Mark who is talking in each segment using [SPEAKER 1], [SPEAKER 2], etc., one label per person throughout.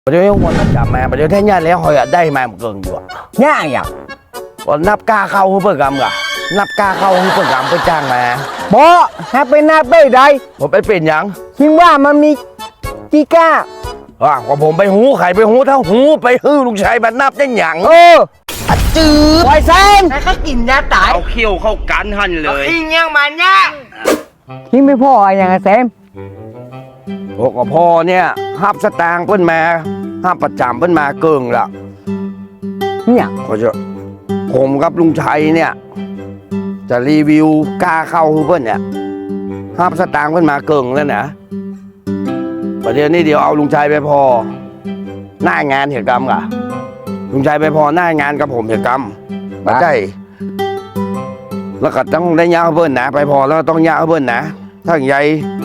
[SPEAKER 1] เดี๋ยววันมันจับมาเดี๋ยวแท้ย่าแล้วหอยได้มาเกินอยู่
[SPEAKER 2] ย่าอย่าง
[SPEAKER 1] วันนับกาเข้าเพื่อกรรมกะนับกาเข้าเพื่อกรรมเพื่อจ้างมา
[SPEAKER 2] บ่ถ้าเป็นนับไม่ได้
[SPEAKER 1] ผมไปเป็นยัง
[SPEAKER 2] คิดว่ามันมีกี่ก้า
[SPEAKER 1] ว่าผมไปหูไข่ไปหูเท่าหูไปฮื้อลุงชายบัดนับได้หยัง
[SPEAKER 2] จืดไวเซน
[SPEAKER 3] แล้วก็กินยาตาย
[SPEAKER 1] เอาเขี้ยวเข้ากันหันเลย
[SPEAKER 3] กินยังมันเนี่ย
[SPEAKER 2] คิดไม่พออย่างไงแซม
[SPEAKER 1] พวกกับพ่อเนี่ยห้ามสตางค์เพิ่นมาห้ามประจำเพิ่นมาเกิงละ
[SPEAKER 2] เนี่ย
[SPEAKER 1] ก็จะผมกับลุงชัยเนี่ยจะรีวิวกล้าเข้าเพิ่นเนี่ยห้ามสตางค์เพิ่นมาเกิงแล้วนะประเดี๋ยวนี้เดี๋ยวเอาลุงชัยไปพอหน้างานเหตุกรรมกะลุงชัยไปพอหน้างานกับผมเหตุกรรมมาใช่แล้วก็ต้องได้ยาเพิ่นนะไปพอแล้วต้องยาเพิ่นนะถ้าอย่างใหญ่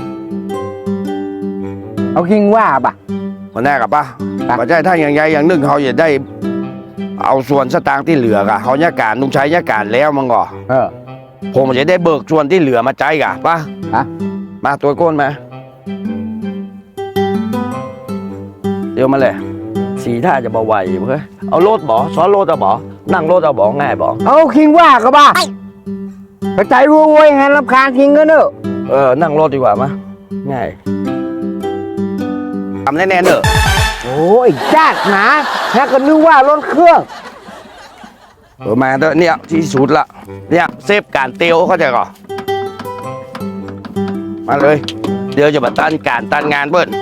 [SPEAKER 2] เอาคิงว่าป่ะ
[SPEAKER 1] คนแรกกับป่ะมาใช่ถ้าอย่างใหญ่อย่างหนึ่งเขาจะได้เอาส่วนสตางค์ที่เหลือกะเขาเนี่ยการลุงชัยเนี่ยการแล้วมั้งก่อผมจะได้เบิกส่วนที่เหลือมาใจกะป่ะมาตัวก้นมาเดี๋ยวมาเลยสีท่าจะเบาไหวเพื่อเอารถบ่ซ้อนรถเอาบ่นั่งรถเอาบ่ง่ายบ่
[SPEAKER 2] เอาคิงว่าก็บ้ากระจายรวยให้รับคานคิงก็เนอะ
[SPEAKER 1] นั่งรถดีกว่ามั้ยง่ายทำแน่ๆเนอะ
[SPEAKER 2] โอ้ยจัดนะแล้วก็นึกว่ารถเครื่อง
[SPEAKER 1] มาเถอะเนี่ยที่สุดละเนี่ยเซฟการเตียวเข้าใจก่อนมาเลยเดี๋ยวจะมาตั้นการตั้นงานเบิ้ล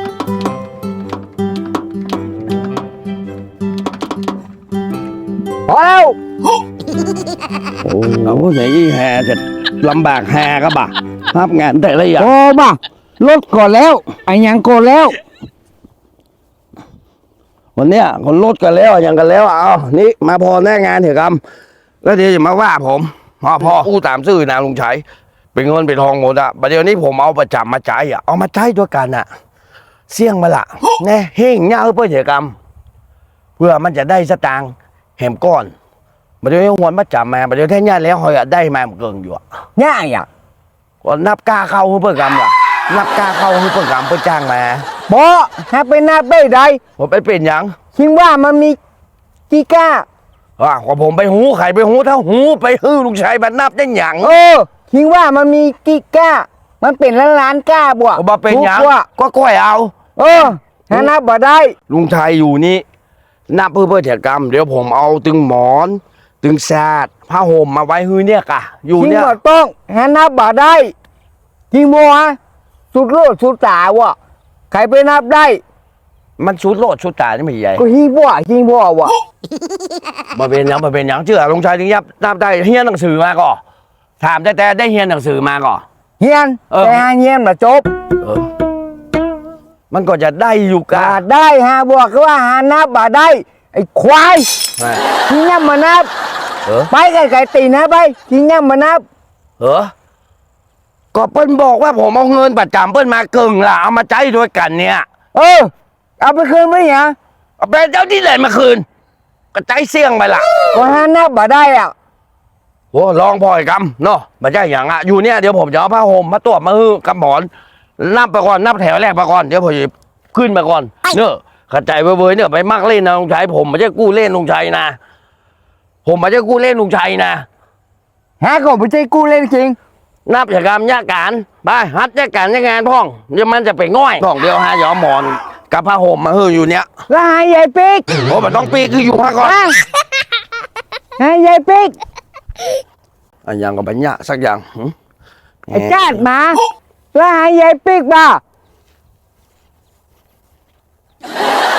[SPEAKER 2] พอแล้ว
[SPEAKER 1] เอาไหนยี่แฮจะลำบากแฮก็บ่ะภาพงานแต่ละอย่าง
[SPEAKER 2] โอ้บ่ะรถก่อนแล้วไอ้ยังก่อนแล้ว
[SPEAKER 1] วันเนี้ยคนรถกันแล้วยังกันแล้วเอานี่มาพอแน่งานเถอะครับแล้วเดี๋ยวจะมาว่าผมพ่ออู้ตามซื่อนะลุงชัยเป็นเงินเป็นทองหมดอะประเดี๋ยวนี้ผมเอาประจำมาใช้อะเอามาใช้ด้วยกันอะเสี่ยงมาละแน่เฮงเงาเพื่อเถอะครับเพื่อมันจะได้สตางค์แหมก้อนประเดี๋ยวนี้หัวมาจับมาประเดี๋ยวแท้ย่าแล้วหอยได้มาเกินอยู่
[SPEAKER 2] ย่าอย่าง
[SPEAKER 1] ก็นับกาเข้าเพื่อกรรมล่ะนับกาเข้าเพื่อกรรมเพื่อจ้างมา
[SPEAKER 2] บ่ถ้าเป็นนับไม่ได้
[SPEAKER 1] ผมไปเป็นยัง
[SPEAKER 2] คิดว่ามันมีกี่ก้า
[SPEAKER 1] ว่าผมไปหูไข่ไปหูเท่าหูไปฮื้อลุงชัยบัดนับได้หยัง
[SPEAKER 2] คิดว่ามันมีกี่ก้ามันเป็นล้านก้าบ่
[SPEAKER 1] บ่เป็นหยังก็ก้อยเอา
[SPEAKER 2] ถ้านับบ่ได้
[SPEAKER 1] ลุงชัยอยู่นี่นับเพื่อเถอะกรรมเดี๋ยวผมเอาตึงหมอนตึงแซดผ้าห่มมาไว้ฮื้อเนี่ยกะอยู่เนี่ย
[SPEAKER 2] คิดว่าต้องถ้านับบ่ได้คิดว่าสุดโลดสุดตาวะใครไปนับได้
[SPEAKER 1] มันชุดโลดชุดตานี่ไม่ใหญ่
[SPEAKER 2] ก็ฮิงบ่วะ
[SPEAKER 1] มาเป็นยังเชื่อลุงชัยถึงยับนับได้เฮียนหนังสือมาก่อถามแต่ได้เฮียนหนังสือมาก่อ
[SPEAKER 2] เฮียนแต่เฮียนมาจบ
[SPEAKER 1] มันก็จะได้อยู่กะ
[SPEAKER 2] ได้ฮะบอกว่าหานับบ่ได้ไอ้ควายที่นับมานับไปไก่ตีนะไปที่นับมานับ
[SPEAKER 1] ก็เปิ้ลบอกว่าผมเอาเงินประจำเปิ้ลมาเกิงล่ะเอามาใช้ด้วยกันเนี่ย
[SPEAKER 2] เอาไปคืนไหมเนี่ย
[SPEAKER 1] เอาไปเจ้าที่ไหนมาคืนก็ใจเสี่ยงไปล่ะ
[SPEAKER 2] ก็หานับบ่ได้อ่ะ
[SPEAKER 1] โอ้ลองพอยกำเนาะมาใช่อย่างอ่ะอยู่เนี่ยเดี๋ยวผมจะเอาผ้าห่มมาตัวมาฮื้อกำหมอนนับไปก่อนนับแถวแรกไปก่อนเดี๋ยวผมขึ้นมาก่อนเนอะขัดใจเว้ยเนี่ยไปมักเล่นนะลุงชัยผมไม่ใช่กู้เล่นลุงชัยนะผมไม่ใช่กู้เล่นลุงชัยนะ
[SPEAKER 2] ฮะก็ไม่ใช่กู้เล่นจริง
[SPEAKER 1] นับจากกรรมยาการไปฮัดยาการยางานพ่องเดี๋ยวมันจะไปง่อยพ่องเดียวหายอมหมอนกับผ้าห่มมาฮื้ออยู่เนี่ย
[SPEAKER 2] แล้วหายใหญ่ปีก
[SPEAKER 1] โอ้มันต้องปีกคืออยู่ผ้าก่อน
[SPEAKER 2] หายใหญ่ปีก
[SPEAKER 1] อันยังกับปัญญาสักอย่าง
[SPEAKER 2] ไอ้จ้าดมาแล้วหายใหญ่ปีกป่ะ